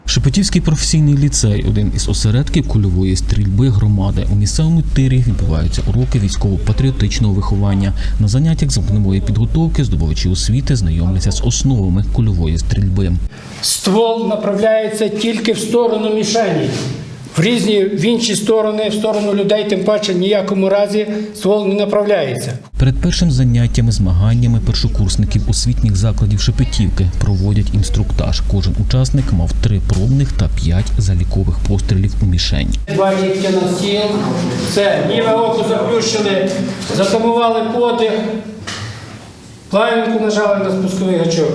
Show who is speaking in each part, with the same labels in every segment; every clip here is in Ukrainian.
Speaker 1: Шепетівський професійний ліцей – один із осередків кульової стрільби громади. У місцевому тирі відбуваються уроки військово-патріотичного виховання. На заняттях з вогневої підготовки здобувачі освіти знайомляться з основами кульової стрільби.
Speaker 2: Ствол направляється тільки в сторону мішені. В інші сторони, в сторону людей, тим паче ніякому разі ствол не направляється.
Speaker 1: Перед першим заняттями, змаганнями першокурсників освітніх закладів Шепетівки проводять інструктаж. Кожен учасник мав 3 пробних та 5 залікових пострілів у мішень.
Speaker 2: Бачите на стіл, все, ліве око заплющили, затамували подих, плавінку нажали на спусковий гачок.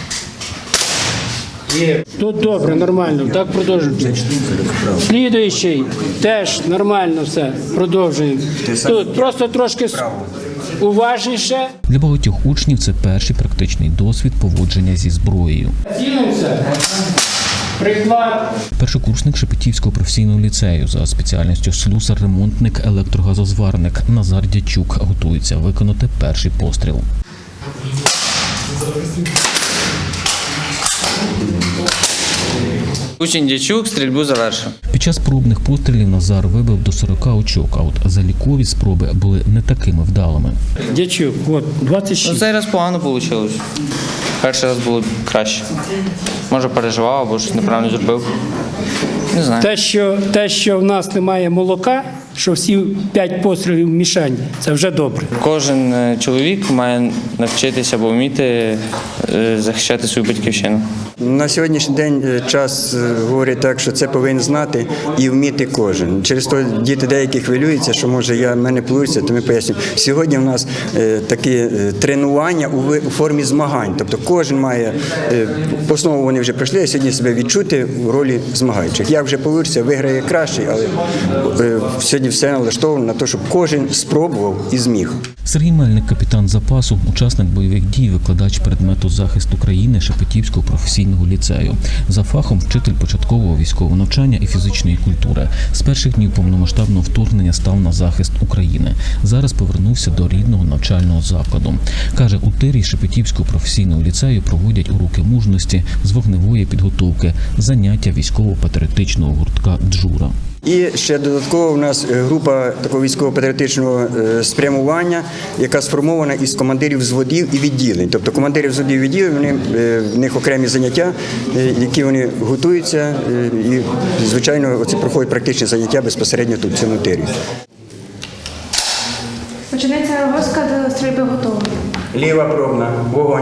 Speaker 2: Є. Тут добре, нормально, так продовжуємо. Слідуючий теж нормально все, продовжуємо. Тут просто трошки уважніше.
Speaker 1: Для багатьох учнів це перший практичний досвід поводження зі зброєю.
Speaker 2: Цілимося. Приклад.
Speaker 1: Першокурсник Шепетівського професійного ліцею за спеціальністю слюсар-ремонтник, електрогазозварник Назар Дячук готується виконати перший постріл.
Speaker 3: Учень Дячук стрільбу завершив.
Speaker 1: Під час пробних пострілів Назар вибив до 40 очок, а от залікові спроби були не такими вдалими.
Speaker 2: Дячук, от, 26.
Speaker 3: Цей раз погано вийшло. Перший раз було краще. Може переживав або щось неправильно зробив. Не знаю.
Speaker 2: Те, що в нас немає молока, що всі 5 пострілів в мішені, це вже добре.
Speaker 3: Кожен чоловік має навчитися або вміти захищати свою батьківщину.
Speaker 4: На сьогоднішній день час говорить так, що це повинен знати і вміти кожен. Через то діти деякі хвилюються, що може в мене вийде, то ми пояснюємо. Сьогодні в нас такі тренування у формі змагань. Тобто кожен має, основу вони вже пройшли, а сьогодні себе відчути в ролі змагаючих. Як вже вийде, виграє кращий, але сьогодні все налаштовано на те, щоб кожен спробував і зміг.
Speaker 1: Сергій Мельник, капітан запасу, учасник бойових дій, викладач предмету захисту країни Шепетівського професійного ліцею. За фахом вчитель початкового військового навчання і фізичної культури. З перших днів повномасштабного вторгнення став на захист України. Зараз повернувся до рідного навчального закладу. Каже, у тирі Шепетівського професійного ліцею проводять уроки мужності, з вогневої підготовки, заняття військово-патріотичного гуртка «Джура».
Speaker 4: І ще додатково у нас група такого військово-патріотичного спрямування, яка сформована із командирів взводів і відділень. Тобто командирів взводів і відділень, в них окремі заняття, які вони готуються, і, звичайно, оце проходять практичні заняття безпосередньо тут, в цьому тирі.
Speaker 5: Починається розвозка до стрільби готова.
Speaker 4: Ліва пробна, вогонь.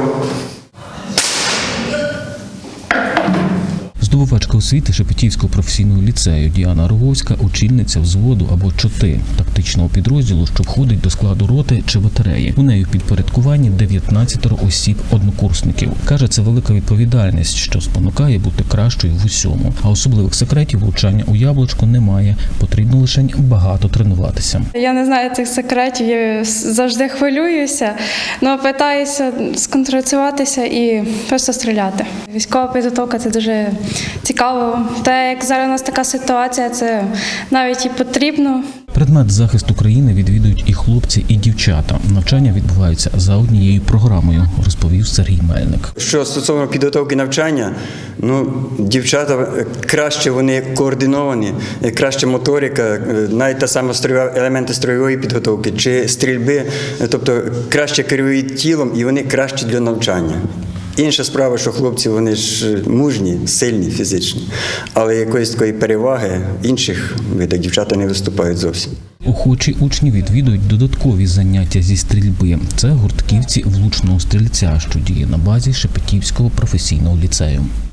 Speaker 1: Здобувачка освіти Шепетівського професійного ліцею Діана Роговська – очільниця взводу або чоти – тактичного підрозділу, що входить до складу роти чи батареї. У неї в підпорядкуванні 19 осіб-однокурсників. Каже, це велика відповідальність, що спонукає бути кращою в усьому. А особливих секретів влучання у яблучко немає, потрібно лише багато тренуватися.
Speaker 5: Я не знаю цих секретів, я завжди хвилююся, але питаюся сконцентруватися і просто стріляти. Військова підготовка – це дуже цікаво. Те, як зараз у нас така ситуація, це навіть і потрібно.
Speaker 1: Предмет захисту країни відвідують і хлопці, і дівчата. Навчання відбуваються за однією програмою, розповів Сергій Мельник.
Speaker 4: Що стосовно підготовки навчання, дівчата краще вони координовані, краще моторика, навіть та сама елементи строєвої підготовки чи стрільби, тобто краще керують тілом і вони кращі для навчання. Інша справа, що хлопці, вони ж мужні, сильні фізично, але якоїсь такої переваги інших видах дівчата не виступають зовсім.
Speaker 1: Охочі учні відвідують додаткові заняття зі стрільби. Це гуртківці влучного стрільця, що діє на базі Шепетівського професійного ліцею.